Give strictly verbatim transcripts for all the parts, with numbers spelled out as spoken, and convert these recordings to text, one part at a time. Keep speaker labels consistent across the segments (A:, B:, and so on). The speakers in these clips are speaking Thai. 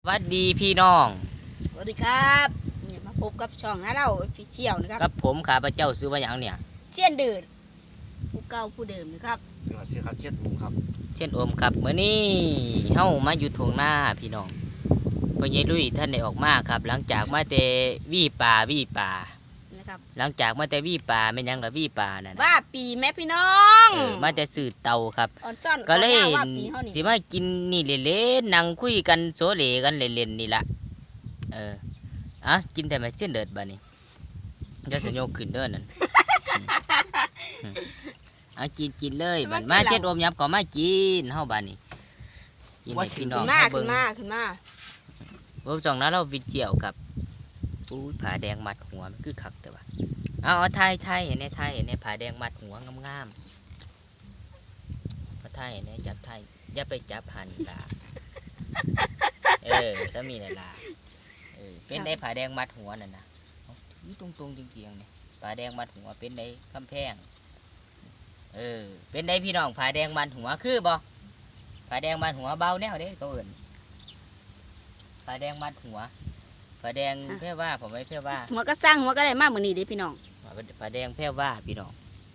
A: สวัสดีพี่น้อง
B: สวัสดีครับเนี่ยมาพบกับช่องนะเราฟิเชียลนะครับ
A: กับผมข้าพเจ้าซื้อว่าอย่างเนี่ย
B: เสี้ยนเดินผู้เก่าผู้เดิมนะครับ
C: ชื่อครับเช็ดมุมครับ
A: เช่นโอมครับเมื่อนี้เฮามาอยู่ทงหน้าพี่น้องพ่อใหญ่ลุยท่านได้ออกมาครับ หลังจากมาแต่วี่ป่าวี่ป่า
B: นะครับ
A: หลังจากมาแต่วี่ป่าไม่ยังละวี่ป่านั่น
B: ว่าปีแม่พี่น้อง
A: เออมาแต่สื่อเตาครับ
B: อ่อนซ่อน
A: ก็เลย
B: ว่าปีเฮานี่
A: สิมากินนี่เล่นๆนั่งคุยกันโซเลกันเล่นๆนี่ละเอออ่ะกินแต่ไม่เส้นเดือดบ้านี้จะสยกขึ้นเด้อนั่นเอากินกินเลยบัดมาเช็ดอมยับก็มากินเฮาบ้านนี้กินให้พี่น้อง
B: ขึ้นมา
A: เฮา
B: ขึ้
A: เบิ่
B: น
A: ง
B: มาขึ้นมา
A: ผมส่องนั้นเราวิเจียวครับอู้ผาแดงมัดหัวมันคือคักแต่ว่าเอาเอาไทยไทยเห็นในไทยเห็นในผาแดงมัดหัวงามๆมาไทยเห็นในจับไทยอย่าไปจับหันล่ะเออถ้ามีน่ะล่ะเออเป็นได้ผาแดงมัดหัวนั่นน่ะนี่ตรงๆจริงๆเนี่ยผาแดงมัดหัวเป็นได้คำแพงเออเป็นได้พี่น้องผาแดงมัดหัวคือบ่ผาแดงมัดหัวเบาแนวเด้ตัวอื่นผาแดงมัดหัวผาแดงเพื่อว่าผมไม่เพื่อว่า
B: หัวก็สร้างหัวก็ได้มากเหมือนนี้เด้พี่น้อง
A: ผาแดงเพื่อว่าพี่น้อง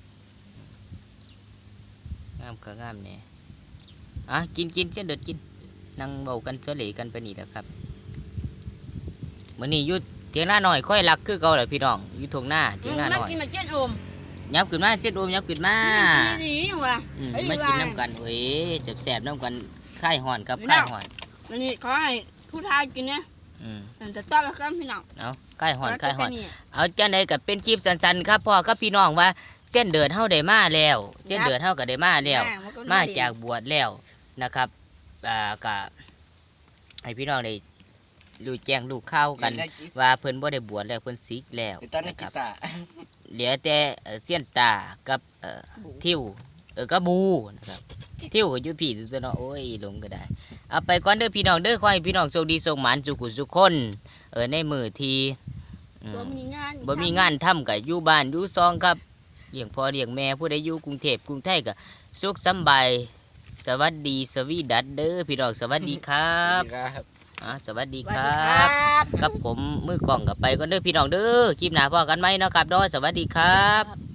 A: งามก็งามเนี่ยอ่ะกินกินเช่นเด็ดกินนั่งเบากันเฉลี่ยกันไปนี่แหละครับมื้อนี้ยุดเทียงหน้าหน่อยค่อยรักคือเก่าเลยพี่น้องยุดทงหน้าเทียงหน้าหน่อย
B: กินมาเจ็ดโอม
A: ยับขึ้นมาเจ็ดโอมยับขึ้นมา
B: กินดีๆยังวะ
A: มากินน้ำกันเว้ยแสบๆน้ำกันค่ายห่อนครับค่ายห่อน
B: วันนี้ขอให้ผู้ทายกินเนี่ย
A: อืม
B: จะต้อนรับพี่น้อง
A: เอาค่ายห่อนค่ายห่อนเอาจังไดกับเป็นคลิปสั้นๆครับพ่อกับพี่น้องว่าเส้นเดือดเฮาได้มาแล้วเส้นเดือดเฮาก็ได้มาแล้วมาจากบวชแล้วนะครับอ่าก็ให้พี่น้องได้รู้แจ้งรู้ข่าวกันว่าเพิ่นบ่ได้บวชแล้วเพิ่นสิกแล้วนะครับเหลือแต่เสี้ยนตากับเอ่อทิวเออกับบูนะครับทิวก็อยู่พี่ตัวเนาะโอ้ยหลงก็ได้เอาไปก่อนเด้อพี่น้องเด้อขอให้พี่น้องโชคดีโชคหมานสุขุสุขคนเออในมื้อที่
B: บ่มีงาน
A: บ่มีงานทำก็อยู่บ้านอยู่ซองครับเลี้ยงพ่อเลี้ยงแม่ผู้ใดอยู่กรุงเทพกรุงไทยก็สุขสำบายสวัสดีสวีดัสเด้อพี่น้องสวัสดีครับอ่าสวัสดีครับกับผมมือกล้องกับไปก็เด้อพี่น้องเด้อคลิปหน้าพอกันไหมเนาะครับดอสวัสดีครับ